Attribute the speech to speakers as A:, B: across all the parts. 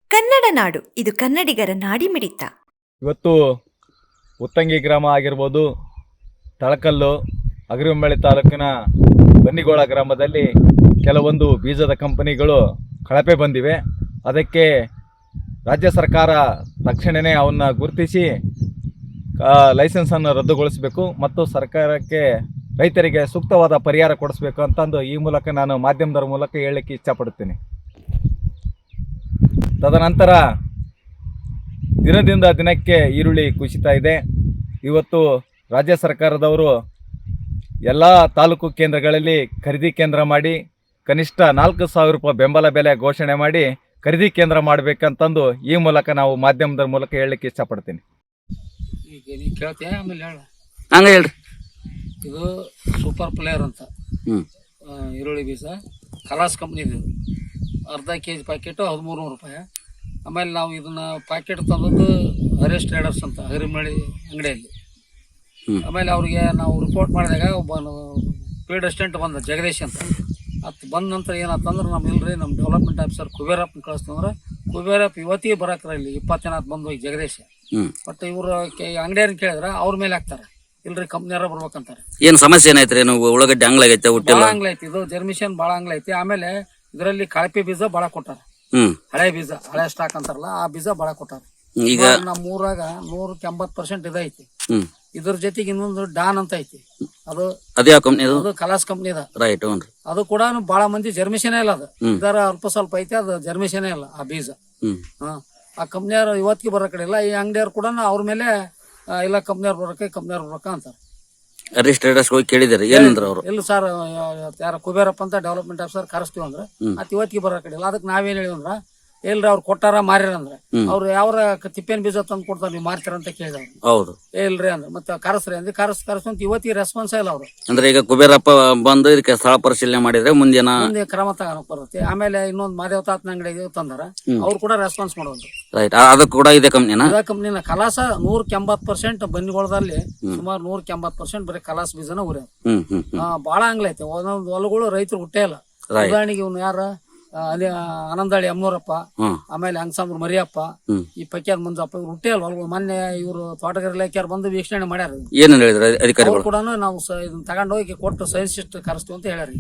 A: ಕನ್ನಡ ನಾಡು, ಇದು ಕನ್ನಡಿಗರ ನಾಡಿಮಿಡಿತ.
B: ಇವತ್ತು ಉತ್ತಂಗಿ ಗ್ರಾಮ ಆಗಿರ್ಬೋದು, ತಳಕಲ್ಲು, ಅಗರಿಬೊಮ್ಮನಹಳ್ಳಿ ತಾಲೂಕಿನ ಬನ್ನಿಗೋಳ ಗ್ರಾಮದಲ್ಲಿ ಕೆಲವೊಂದು ಬೀಜದ ಕಂಪನಿಗಳು ಕಳಪೆ ಬಂದಿವೆ. ಅದಕ್ಕೆ ರಾಜ್ಯ ಸರ್ಕಾರ ತಕ್ಷಣವೇ ಅವನ್ನ ಗುರುತಿಸಿ ಲೈಸೆನ್ಸನ್ನು ರದ್ದುಗೊಳಿಸಬೇಕು ಮತ್ತು ಸರ್ಕಾರಕ್ಕೆ ರೈತರಿಗೆ ಸೂಕ್ತವಾದ ಪರಿಹಾರ ಕೊಡಿಸಬೇಕು ಅಂತಂದು ಈ ಮೂಲಕ ನಾನು ಮಾಧ್ಯಮದ ಮೂಲಕ ಹೇಳಲಿಕ್ಕೆ ಇಷ್ಟಪಡುತ್ತೇನೆ. ತದನಂತರ ದಿನದಿಂದ ದಿನಕ್ಕೆ ಈರುಳ್ಳಿ ಕುಸಿತಾ ಇದೆ. ಇವತ್ತು ರಾಜ್ಯ ಸರ್ಕಾರದವರು ಎಲ್ಲ ತಾಲೂಕು ಕೇಂದ್ರಗಳಲ್ಲಿ ಖರೀದಿ ಕೇಂದ್ರ ಮಾಡಿ ಕನಿಷ್ಠ 4,000 ರೂಪಾಯಿ ಬೆಂಬಲ ಬೆಲೆ ಘೋಷಣೆ ಮಾಡಿ ಖರೀದಿ ಕೇಂದ್ರ ಮಾಡಬೇಕಂತಂದು ಈ ಮೂಲಕ ನಾವು ಮಾಧ್ಯಮದ ಮೂಲಕ ಹೇಳಲಿಕ್ಕೆ ಇಷ್ಟಪಡ್ತೀನಿ.
C: ಹಂಗೆ ಹೇಳ್ರಿ.
D: ಇದು ಸೂಪರ್ ಪ್ಲೇಯರ್ ಅಂತ ಈರುಳ್ಳಿ ಬೀಜ ಕಲಾಸ್ ಕಂಪ್ನಿದು ಅರ್ಧ ಕೆಜಿ ಪ್ಯಾಕೆಟು 1300 ರೂಪಾಯಿ. ಆಮೇಲೆ ನಾವು ಇದನ್ನ ಪ್ಯಾಕೆಟ್ ತಂದದ್ದು ಹರೀಶ್ ಟ್ರೇಡರ್ಸ್ ಅಂತ ಅಗರಿಬೊಮ್ಮನಹಳ್ಳಿ ಅಂಗಡಿಯಲ್ಲಿ. ಆಮೇಲೆ ಅವ್ರಿಗೆ ನಾವು ರಿಪೋರ್ಟ್ ಮಾಡಿದಾಗ ಒಬ್ಬ ಫೀಲ್ಡ್ ಅಸಿಸ್ಟೆಂಟ್ ಬಂದ ಜಗದೀಶ್ ಅಂತ. ಅದು ಬಂದ ನಂತರ ಏನಾತಂದ್ರೆ ನಮ್ಮ ಇಲ್ರಿ ನಮ್ಮ ಡೆವಲಪ್ಮೆಂಟ್ ಆಫೀಸರ್ ಕುಬೇರಪ್ಪನ ಕಳಿಸ್ತಂದ್ರೆ ಕುಬೇರಪ್ಪ ಇವತ್ತಿಗೆ ಬರಾಕ್ರ ಇಲ್ಲಿ 20 ದಿನ ಬಂದು ಹೋಗಿ ಜಗದೀಶ್. ಬಟ್ ಇವರು ಅಂಗಡಿಯವ್ರನ್ನ ಕೇಳಿದ್ರೆ ಅವ್ರ ಮೇಲೆ ಹಾಕ್ತಾರೆ, ಇಲ್ರಿ ಕಂಪ್ನಿಯವ್ರ ಬರ್ಬೇಕಂತಾರೆ.
C: ಏನ್ ಸಮಸ್ಯೆ ಏನಾಯ್ತ್ರಿ? ಉಳ್ಳಾಗಡ್ಡಿ ಅಂಗ್ಲಾಗೈತೆ,
D: ಭಾಳ ಅಂಗ್ಲೈತಿ, ಇದು ಜರ್ಮಿಷನ್ ಭಾಳ ಅಂಗ್ಲೈತಿ. ಆಮೇಲೆ ಇದರಲ್ಲಿ ಕಳಪೆ ಬೀಜ ಭಾಳ ಕೊಟ್ಟಾರ, ಹಳೆ ಬೀಜ, ಹಳೆ ಸ್ಟಾಕ್ ಅಂತಾರಲ್ಲ ಆ ಬೀಜ ಭಾಳ ಕೊಟ್ಟಾರ. ಈಗ ನಮ್ಮ ಊರಾಗ 100% ಇದೈತಿ. ಇದ್ರ ಜೊತೆಗೆ ಇನ್ನೊಂದು ಡಾನ್ ಅಂತ ಐತಿ, ಅದು ಅದು ಕಲಾಸ್ ಕಂಪ್ನಿ ಅದ. ಅದು ಕೂಡ ಬಹಳ ಮಂದಿ ಜರ್ಮಿಷನೇ ಇಲ್ಲ, ಅದು ಇದರ ಅಲ್ಪ ಸ್ವಲ್ಪ ಐತಿ, ಅದು ಜರ್ಮಿಷನೇ ಇಲ್ಲ ಆ ಬೀಜ. ಆ ಕಂಪ್ನಿಯವ್ರು ಇವತ್ತಿಗೆ ಬರೋ ಕಡೆ ಇಲ್ಲ. ಈ ಅಂಗಡಿಯವ್ರು ಕೂಡ ಅವ್ರ ಮೇಲೆ ಇಲ್ಲ ಕಂಪ್ನಿಯವ್ರು ಬರಕ ಅಂತಾರೆ.
C: ಹರೀಶ್ ಟ್ರೇಡರ್ಸ್ ಹೋಗಿ ಕೇಳಿದಾರೆ, ಏನಂದ್ರ ಅವರು?
D: ಇಲ್ಲ ಸರ್, ಯಾರ ಕುಬೇರಪ್ಪ ಅಂತ ಡೆವಲಪ್ಮೆಂಟ್ ಆಫೀಸರ್ ಕರೆಸ್ತೀವಿ ಅಂದ್ರೆ ಅತ್ ಇವತ್ತಿಗೆ ಬರೋ ಕಡೆ ಇಲ್ಲ. ಅದಕ್ಕೆ ನಾವೇನ್ ಹೇಳಿವ್ ಅಂದ್ರ, ಇಲ್ರಿ ಅವ್ರು ಕೊಟ್ಟಾರ ಮಾರ್ಯಾರ ಅಂದ್ರೆ ಅವ್ರು ಯಾವ ತಿಪ್ಪೇನ್ ಬೀಜ ತಂದು ಕೊಡ್ತಾರ, ನೀವು ಮಾರ್ತೀರ ಅಂತ ಕೇಳಿದವ್ರು.
C: ಹೌದು,
D: ಇಲ್ರಿ ಅಂದ್ರೆ ಮತ್ತೆ ಕರೆಸ್ರಿ ಅಂದ್ರೆ ಕರೆಸ್ಕೊಂತ ಇವತ್ತಿಗೆ ರೆಸ್ಪಾನ್ಸ್ ಇಲ್ಲ ಅವ್ರು.
C: ಅಂದ್ರೆ ಈಗ ಕುಬೇರಪ್ಪ ಬಂದು ಇದಕ್ಕೆ ಸ್ಥಳ ಪರಿಶೀಲನೆ ಮಾಡಿದ್ರೆ ಮುಂದೆ
D: ಕ್ರಮ ತಗೋಕ್ ಬರುತ್ತೆ. ಆಮೇಲೆ ಇನ್ನೊಂದು ಮಾದೇವ ತಾತನ ಅಂಗಡಿಗೆ ತಂದಾರ, ಅವ್ರು ಕೂಡ ರೆಸ್ಪಾನ್ಸ್ ಮಾಡೋದು.
C: ರೈಟ್, ಅದು ಕೂಡ ಇದೆ ಕಂಪ್ನಿನ
D: ಕಲಾಸ 180% ಬನ್ನಿಗೋಳದಲ್ಲಿ ಸುಮಾರು 180% ಬರೀ ಕಲಾಸ್ ಬೀಜನ ಉರ್ಯ. ಬಾಳ ಅಂಗ್ಲೈತೆ, ಒಂದೊಂದು ಹೊಲಗಳು ರೈತರು ಹುಟ್ಟೇ ಇಲ್ಲ. ಉದಾಹರಣೆಗೆ ಇವ್ನು ಯಾರ ಅಲ್ಲಿ ಆನಂದಾಳಿ ಅಮ್ಮನೂರಪ್ಪ, ಆಮೇಲೆ ಹಂಗಸಾಂಬ್ರ ಮರಿಯಪ್ಪ, ಈ ಪಕ್ಯಾದ ಮಂಜಪ್ಪ, ಇವ್ರು ಹುಟ್ಟೇ ಅಲ್ವ. ಮೊನ್ನೆ ಇವರು ತೋಟಗಾರಿ ಇಲಾಖೆಯವ್ರು ಬಂದು ವೀಕ್ಷಣೆ ಮಾಡ್ಯಾರ.
C: ಏನ್ ಹೇಳಿದ್ರು ಅಧಿಕಾರಿಗಳು?
D: ಕೂಡ ನಾವು ಇದನ್ನ ತಗೊಂಡ್ ಹೋಗಿ ಕೊಟ್ಟು ಸೈನ್ಸಿಸ್ಟ್ ಕರೆಸ್ತೀವಿ ಅಂತ ಹೇಳ್ಯಾರ.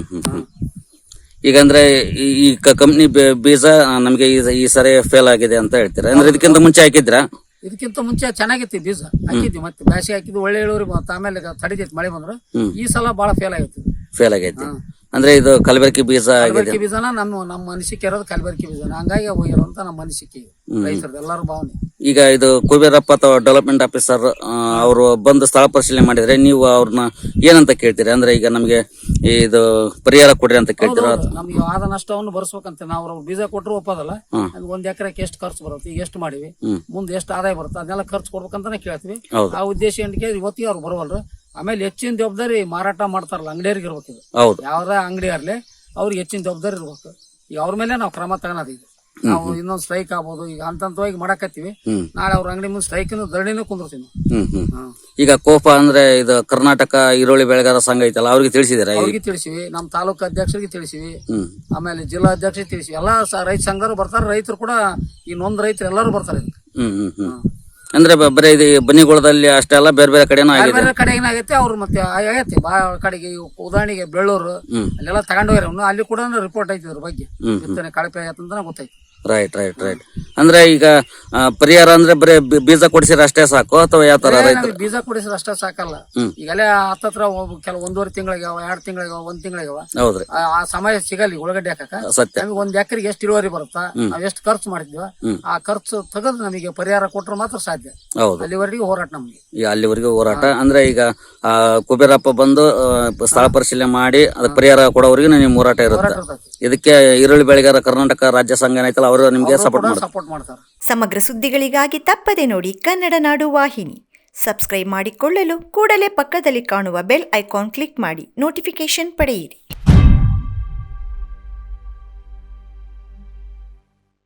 C: ಈಗ ಅಂದ್ರೆ ಈ ಕಂಪ್ನಿ ಬೀಜ ನಮ್ಗೆ ಈ ಸರಿ ಫೇಲ್ ಆಗಿದೆ ಅಂತ ಹೇಳ್ತೀರಾ? ಅಂದ್ರೆ ಇದಕ್ಕಿಂತ ಮುಂಚೆ ಹಾಕಿದ್ರಾ?
D: ಇದಕ್ಕಿಂತ ಮುಂಚೆ ಚೆನ್ನಾಗಿತ್ತು ಬೀಜ, ಹಾಕಿದ್ವಿ. ಮತ್ತೆ ಬ್ಯಾಸಿ ಹಾಕಿದ್ವಿ, ಒಳ್ಳೆ ಇಳುವರಿ ಬಂತ. ಆಮೇಲೆ ತಡಿತೈತಿ ಮಳೆ ಬಂದ್ರೆ. ಈ ಸಲ ಬಹಳ ಫೇಲ್ ಆಗೈತಿ.
C: ಅಂದ್ರೆ ಇದು ಕಲಬೆರಕೆ ಬೀಜ
D: ಬೀಜನ ನಮ್ಮ ಅನಿಸಿಕೆ ಇರೋದು ಕಲಬೆರಕೆ ಬೀಜನ, ಹಂಗಾಗಿ ಹೋಗಿರೋಂತ ನಮ್ಮ ಅನಿಸಿಕೆ ರೈತರದ್ದು ಎಲ್ಲಾರು ಭಾವನೆ.
C: ಈಗ ಇದು ಕುಬೇರಪ್ಪ ಅಥವಾ ಡೆವಲಪ್ಮೆಂಟ್ ಆಫೀಸರ್ ಅವರು ಬಂದು ಸ್ಥಳ ಪರಿಶೀಲನೆ ಮಾಡಿದ್ರೆ ನೀವು ಅವ್ರನ್ನ ಏನಂತ ಕೇಳ್ತೀರಿ? ಅಂದ್ರೆ ಈಗ ನಮ್ಗೆ ಇದು ಪರಿಹಾರ ಕೊಡ್ರಿ ಅಂತ ಕೇಳ್ತೀರ?
D: ನಮ್ಗೆ ಆದ ನಷ್ಟವನ್ನು ಬರ್ಸ್ಬೇಕಂತ. ನಾವು ಬೀಜ ಕೊಟ್ಟರು ಒಪ್ಪದಲ್ಲ, 1 ಎಕರೆಗೆ ಎಷ್ಟು ಖರ್ಚು ಬರುತ್ತೆ, ಈಗ ಎಷ್ಟು ಮಾಡಿವಿ, ಮುಂದೆ ಎಷ್ಟು ಆದಾಯ ಬರುತ್ತೆ, ಅದನ್ನೆಲ್ಲ ಖರ್ಚು ಕೊಡ್ಬೇಕಂತಾನೆ ಕೇಳ್ತೀವಿ. ಆ ಉದ್ದೇಶ ಏನಕ್ಕೆ ಇವತ್ತಿಗೆ ಅವ್ರು ಬರವಲ್ರು. ಆಮೇಲೆ ಹೆಚ್ಚಿನ ಜವಾಬ್ದಾರಿ ಮಾರಾಟ ಮಾಡ್ತಾರಲ್ಲ ಅಂಗಡಿಯವ್ರಿಗೆ ಇರ್ಬೇಕು. ಇದು ಯಾವ್ದ ಅಂಗಡಿ ಇರ್ಲಿ, ಅವ್ರಿಗೆ ಹೆಚ್ಚಿನ ಜವಾಬ್ದಾರಿ ಇರ್ಬೇಕು. ಈಗ ಅವ್ರ ಮೇಲೆ ನಾವು ಕ್ರಮ ತಗೋದು. ಈಗ ನಾವು ಇನ್ನೊಂದು ಸ್ಟ್ರೈಕ್ ಆಗ್ಬೋದು, ಈಗ ಹಂತವಾಗಿ ಮಾಡಕತ್ತೀವಿ. ನಾಳೆ ಅವ್ರ ಅಂಗಡಿ ಮುಂದೆ ಸ್ಟ್ರೈಕ್ ಧರಣಿನೂ ಕುಂದಿರ್ತೀವಿ.
C: ಈಗ ಕೋಪ ಅಂದ್ರೆ ಇದು ಕರ್ನಾಟಕ ಈರುಳ್ಳಿ ಬೆಳೆಗಾರ ಸಂಘ ಐತಲ್ಲ, ಅವ್ರಿಗೆ ತಿಳಿಸಿದಾರೆ?
D: ಅವ್ರಿಗೆ ತಿಳಿಸಿವಿ, ನಮ್ಮ ತಾಲೂಕು ಅಧ್ಯಕ್ಷರಿಗೆ ತಿಳಿಸಿವಿ, ಆಮೇಲೆ ಜಿಲ್ಲಾ ಅಧ್ಯಕ್ಷರಿಗೆ ತಿಳಿಸಿವಿ. ಎಲ್ಲಾ ರೈತ ಸಂಘರು ಬರ್ತಾರೆ, ರೈತರು ಕೂಡ ಈ ನೊಂದ್ ರೈತರು ಎಲ್ಲರೂ ಬರ್ತಾರೆ.
C: ಅಂದ್ರೆ ಬರೀ ಇದು ಬನ್ನಿಗೋಳದಲ್ಲಿ ಅಷ್ಟೇ ಅಲ್ಲ, ಬೇರೆ ಬೇರೆ ಕಡೆನೂ
D: ಬೇರೆ ಕಡೆ ಏನಾಗೈತೆ ಅವ್ರು ಮತ್ತೆ ಆಗೈತೆ ಬಾಳ ಕಡೆಗೆ. ಉದಾಹರಣೆಗೆ ಬೆಳ್ಳೂರು ಅಲ್ಲೆಲ್ಲ ತಗೊಂಡೋಗ್ಯಾರ, ಅಲ್ಲಿ ಕೂಡ ರಿಪೋರ್ಟ್ ಐತಿ ಇದ್ರ ಬಗ್ಗೆ, ಬಿತ್ತನೆ ಕಳಪೆ ಆಗೈತೆ ಗೊತ್ತೈತಿ.
C: ರೈಟ್. ಅಂದ್ರೆ ಈಗ ಪರಿಹಾರ ಅಂದ್ರೆ ಬರೀ ಬೀಜ ಕೊಡಿಸಿರ ಅಷ್ಟೇ ಸಾಕು ಅಥವಾ ಯಾವ ತರ?
D: ಬೀಜ ಕೊಡಿಸಿರ ಅಷ್ಟೇ ಸಾಕಲ್ಲ. ಈಗಲೇ ಹತ್ತತ್ರ ಕೆಲವು 1.5 ತಿಂಗಳಿಗಾವ, 2 ತಿಂಗಳಿಗಾವ, 1 ತಿಂಗಳಿಗಾವ.
C: ಹೌದ್ರಿ,
D: ಆ ಸಮಯ ಸಿಗಲ್ಲ ಉಳ್ಳಾಗಡ್ಡಿ ಹಾಕಕ. ನಮಗೆ 1 ಎಕರೆಗೆ ಎಷ್ಟು ಇಳುವರಿ ಬರುತ್ತಾ, ನಾವ್ ಎಷ್ಟು ಖರ್ಚು ಮಾಡಿದ್ವಿ, ಆ ಖರ್ಚು ತೆಗೆದು ನಮಗೆ ಪರಿಹಾರ ಕೊಟ್ರೆ ಮಾತ್ರ ಸಾಧ್ಯ. ಅಲ್ಲಿವರೆಗೂ ಹೋರಾಟ ನಮ್ಗೆ.
C: ಅಲ್ಲಿವರೆಗೂ ಹೋರಾಟ. ಅಂದ್ರೆ ಈಗ ಕುಬೇರಪ್ಪ ಬಂದು ಸ್ಥಳ ಪರಿಶೀಲನೆ ಮಾಡಿ ಅದಕ್ಕೆ ಪರಿಹಾರ ಕೊಡೋವರೆಗೂ ನಿಮ್ ಹೋರಾಟ ಇರುತ್ತೆ. ಇದಕ್ಕೆ ಈರುಳ್ಳಿ ಬೆಳೆಗಾರ ಕರ್ನಾಟಕ ರಾಜ್ಯ ಸಂಘ ಏನೈತಲ್ಲ, ಅವರು ನಿಮ್ಗೆ ಸಪೋರ್ಟ್
D: ಮಾಡ್ತಾರೆ.
A: ಸಮಗ್ರ ಸುದ್ದಿಗಳಿಗಾಗಿ ತಪ್ಪದೆ ನೋಡಿ ಕನ್ನಡ ನಾಡು ವಾಹಿನಿ. ಸಬ್ಸ್ಕ್ರೈಬ್ ಮಾಡಿಕೊಳ್ಳಲು ಕೂಡಲೇ ಪಕ್ಕದಲ್ಲಿ ಕಾಣುವ ಬೆಲ್ ಐಕಾನ್ ಕ್ಲಿಕ್ ಮಾಡಿ ನೋಟಿಫಿಕೇಶನ್ ಪಡೆಯಿರಿ.